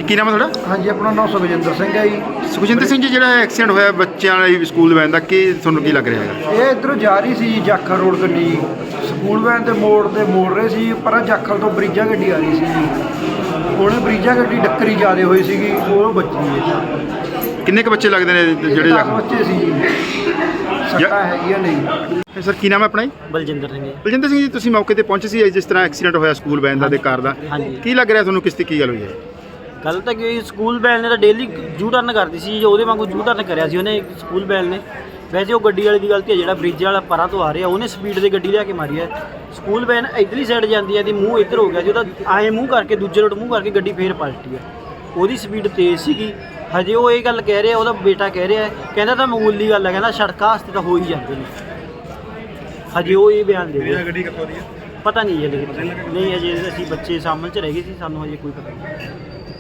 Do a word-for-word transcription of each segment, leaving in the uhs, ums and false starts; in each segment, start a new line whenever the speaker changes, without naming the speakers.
ਕੀ ਨਾਮ ਹੈ ਤੁਹਾਡਾ?
ਹਾਂਜੀ, ਆਪਣਾ ਨਾਮ ਸੁਖਜਿੰਦਰ ਸਿੰਘ ਹੈ ਜੀ।
ਸੁਖਜਿੰਦਰ ਸਿੰਘ ਜੀ, ਜਿਹੜਾ ਐਕਸੀਡੈਂਟ ਹੋਇਆ ਬੱਚਿਆਂ ਵਾਲੀ ਸਕੂਲ ਵੈਨ ਦਾ, ਕੀ ਤੁਹਾਨੂੰ ਕੀ ਲੱਗ ਰਿਹਾ ਹੈਗਾ?
ਇਹ ਇੱਧਰੋਂ ਜਾ ਰਹੀ ਸੀ ਜਾਖਲ ਰੋਡ ਗੱਡੀ, ਸਕੂਲ ਵੈਨ ਦੇ ਮੋੜ ਤੇ ਮੋੜ ਰਹੇ ਸੀ, ਪਰ ਜਾਖਲ ਤੋਂ ਬਰੀਜਾ ਗੱਡੀ ਆ ਰਹੀ ਸੀ ਜੀ। ਉਹਨੇ ਬਰੀਜਾ ਗੱਡੀ ਡੱਕਰੀ ਜ਼ਿਆਦਾ ਹੋਈ ਸੀਗੀ, ਉਹ ਬੱਚੀ ਹੈ।
ਕਿੰਨੇ ਕੁ ਬੱਚੇ ਲੱਗਦੇ ਨੇ ਜਿਹੜੇ
ਦਸ ਬੱਚੇ ਸੀ ਜੀ, ਸੱਟਾਂ ਹੈਗੀਆਂ ਨਹੀਂ।
ਸਰ, ਕੀ ਨਾਮ ਹੈ ਆਪਣਾ ਜੀ?
ਬਲਜਿੰਦਰ ਸਿੰਘ ਜੀ।
ਬਲਜਿੰਦਰ ਸਿੰਘ ਜੀ, ਤੁਸੀਂ ਮੌਕੇ ਤੇ ਪਹੁੰਚੇ ਸੀ ਜਿਸ ਤਰ੍ਹਾਂ ਐਕਸੀਡੈਂਟ ਹੋਇਆ ਸਕੂਲ ਵੈਨ ਦਾ ਤੇ ਕਾਰ ਦਾ, ਕੀ ਲੱਗ ਰਿਹਾ ਤੁਹਾਨੂੰ, ਕਿਸ ਤੇ ਕੀ ਗੱਲ ਹੋਈ ਹੈ?
ਗੱਲ ਤਾਂ ਕਿ ਸਕੂਲ ਬੈਲ ਨੇ ਤਾਂ ਡੇਲੀ ਜੂ ਟਰਨ ਕਰਦੀ ਸੀ, ਉਹਦੇ ਵਾਂਗੂ ਜੂ ਟਰਨ ਕਰਿਆ ਸੀ ਉਹਨੇ ਸਕੂਲ ਬੈਲ ਨੇ। ਵੈਸੇ ਉਹ ਗੱਡੀ ਵਾਲੇ ਦੀ ਗਲਤੀ ਹੈ, ਜਿਹੜਾ ਬ੍ਰਿਜ ਵਾਲਾ ਪਰਾਂ ਤੋਂ ਆ ਰਿਹਾ ਉਹਨੇ ਸਪੀਡ ਤੇ ਗੱਡੀ ਲਿਆ ਕੇ ਮਾਰੀ ਹੈ। ਸਕੂਲ ਵੈਨ ਇੱਧਰਲੀ ਸਾਈਡ ਜਾਂਦੀ ਹੈ ਤੇ ਮੂੰਹ ਇੱਧਰ ਹੋ ਗਿਆ ਸੀ ਉਹਦਾ, ਆਏ ਮੂੰਹ ਕਰਕੇ ਦੂਜੇ ਰੋਡ ਮੂੰਹ ਕਰਕੇ ਗੱਡੀ ਫੇਰ ਪਲਟੀ ਹੈ। ਉਹਦੀ ਸਪੀਡ ਤੇਜ਼ ਸੀਗੀ। ਹਜੇ ਉਹ ਇਹ ਗੱਲ ਕਹਿ ਰਿਹਾ, ਉਹਦਾ ਬੇਟਾ ਕਹਿ ਰਿਹਾ, ਕਹਿੰਦਾ ਤਾਂ ਮਾਮੂਲੀ ਗੱਲ ਹੈ, ਕਹਿੰਦਾ ਸੜਕਾਂ ਵਾਸਤੇ ਤਾਂ ਹੋ ਹੀ ਜਾਂਦੇ ਨੇ। ਹਜੇ ਉਹ ਇਹ ਬਿਆਨ ਦੇ ਰਿਹਾ।
ਗੱਡੀ ਕਿੱਥੋਂ ਦੀ ਹੈ
ਪਤਾ ਨਹੀਂ ਹੈ, ਲੇਕਿਨ ਨਹੀਂ ਹਜੇ ਅਸੀਂ ਬੱਚੇ ਸਾਹਮਣੇ 'ਚ ਰਹਿ ਗਏ ਸੀ, ਸਾਨੂੰ ਹਜੇ ਕੋਈ ਪਤਾ ਨਹੀਂ।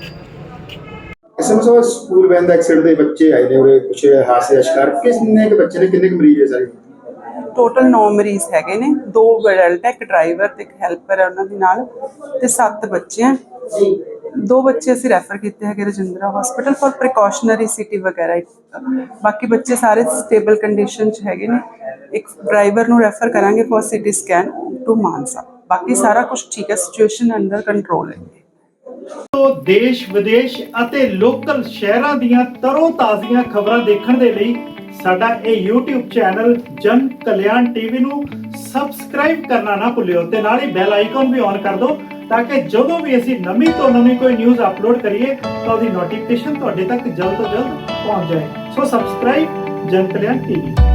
ਐਸਐਮਐਸ ਸਕੂਲ ਵੈਨ ਦਾ ਐਕਸੀਡੈਂਟ ਦੇ ਬੱਚੇ ਆਏ ਨੇ ਉਰੇ, ਕੁਝ ਹਾਦਸੇ ਦਾ ਸ਼ਿਕਾਰ ਕਿੰਨੇ ਕੁ ਬੱਚੇ ਨੇ, ਕਿੰਨੇ ਕੁ ਮਰੀਜ਼ ਹੈ ਸਾਰੇ?
ਟੋਟਲ ਨੌ ਮਰੀਜ਼ ਹੈਗੇ ਨੇ, ਦੋ ਅਡਲਟ ਹੈ, ਇੱਕ ਡਰਾਈਵਰ ਤੇ ਇੱਕ ਹੈਲਪਰ ਹੈ ਉਹਨਾਂ ਦੇ ਨਾਲ, ਤੇ ਸੱਤ ਬੱਚੇ ਆ। ਦੋ ਬੱਚੇ ਅਸੀਂ ਰੈਫਰ ਕੀਤੇ ਹੈਗੇ Rajindra hospital for precautionary CT ਵਗੈਰਾ। ਬਾਕੀ ਬੱਚੇ ਸਾਰੇ ਸਟੇਬਲ ਕੰਡੀਸ਼ਨ 'ਚ ਹੈਗੇ ਨੇ। ਇੱਕ ਡਰਾਈਵਰ ਨੂੰ ਰੈਫਰ ਕਰਾਂਗੇ for CT scan to Mansa. ਬਾਕੀ ਸਾਰਾ ਕੁਝ ਠੀਕ ਹੈ, ਸਿਚੁਏਸ਼ਨ ਅੰਡਰ ਕੰਟਰੋਲ ਹੈ।
ਤੋਂ ਦੇਸ਼ ਵਿਦੇਸ਼ ਅਤੇ ਲੋਕਲ ਸ਼ਹਿਰਾਂ ਦੀਆਂ ਤਰੋ ਤਾਜ਼ੀਆਂ ਖਬਰਾਂ ਦੇਖਣ ਦੇ ਲਈ ਸਾਡਾ ਇਹ YouTube ਚੈਨਲ ਜਨ ਕਲਿਆਣ ਟੀਵੀ ਨੂੰ ਸਬਸਕ੍ਰਾਈਬ ਕਰਨਾ ਨਾ ਭੁੱਲਿਓ ਤੇ ਨਾਲ ਹੀ ਬੈਲ ਆਈਕਨ ਵੀ ਔਨ ਕਰ ਦਿਓ, ਤਾਂ ਕਿ ਜਦੋਂ ਵੀ ਅਸੀਂ ਨਵੀਂ ਤੋਂ ਨਵੀਂ ਕੋਈ ਨਿਊਜ਼ ਅਪਲੋਡ ਕਰੀਏ ਤਾਂ ਉਹਦੀ ਨੋਟੀਫਿਕੇਸ਼ਨ ਤੁਹਾਡੇ ਤੱਕ ਜਲਦ ਤੋਂ ਜਲਦ ਪਹੁੰਚ ਜਾਏ। ਸੋ ਸਬਸਕ੍ਰਾਈਬ ਜਨ ਕਲਿਆਣ ਟੀਵੀ।